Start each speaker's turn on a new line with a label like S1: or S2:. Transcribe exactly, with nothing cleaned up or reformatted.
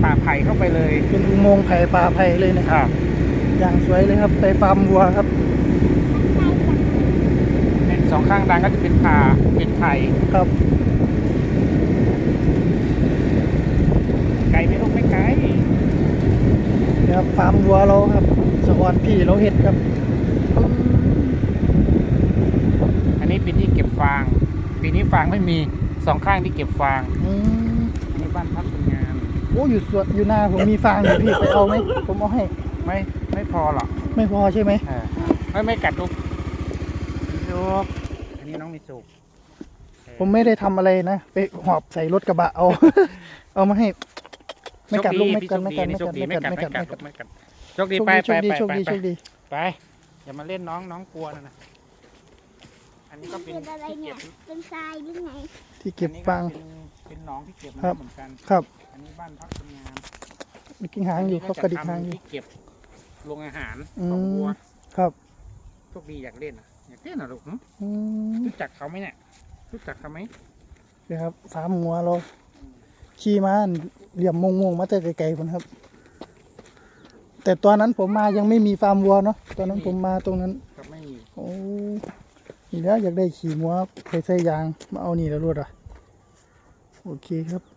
S1: ป่าไผ่เข้าไปเลย
S2: เป็นอุโมงค์ไผ่ป่าไผ่เลยนะครับอย่างสวยเลยครับไปฟาร์มวัวครับ
S1: เป็นสองข้างดังก็จะเป็นป่าเป็นไผ่
S2: ครับ
S1: ไกลไหมลูกไม่ไกล
S2: นะครับฟาร์มวัวเราครับสวรรค์พี่เราเห็ดครับ
S1: อันนี้เป็นที่เก็บฟางปีนี้ฟางไม่มีสองข้างที่เก็บฟาง
S2: อืม
S1: อันนี้บ้านพักคนงาน
S2: โอ้อยู่สวนอยู่นาผมมีฟางอยู่พี่ไปเอาไหมผมเอาให้
S1: ไม่ไม่พอหรอก
S2: ไม่พอใช่ไหม
S1: ไม่ไม่กัดลูกมีสุกอันนี้น้องมีสุก
S2: ผมไม่ได้ทำอะไรนะไปหอบใส่รถกระบะเอา เอามาให้ไม่กัดลูกไม่กัดไม่กัดไม่กัดไม่กัดไม่กัดไม่กัด
S1: ไม่กัดโชคดีไปไปไปไปไปอย่ามาเล่นน้องน้องกลัวนะนะอันนี้ก็เป็น
S3: อะไรเนี่ยเป็นทรายหรือไง
S2: ที่เก็บฟาง
S1: เป็นน้องที่เก็บน้ำเหมือนกัน
S2: ครับ
S1: อันนี้บ้านพักคนงาน
S2: มีกิ้งหางอยู่เขากระดิกหางอยู่
S1: ที่เก็บโรงอาหาร
S2: ข
S1: องวัว
S2: ครับ
S1: โชคดีอยากเล่นอ่ะอยากเล่นอ่ะลูกรู้จักเขาไหมเนี่ยรู้จักเขาไหม
S2: เดี๋ยวครับฟาร์มงัวเราขี่มาเหลี่ยมมงมงมาแต่ไกลๆคนครับแต่ตอนนั้นผมมายังไม่มีฟาร์มวัวเนาะตอนนั้นผมมาตรงนั้น
S1: ไม่มี
S2: โอ้นี่แล้วอยากได้ขี่งัวไปใส่ยางมาเอานี่แล้วรวดอ่ะโอเคครับ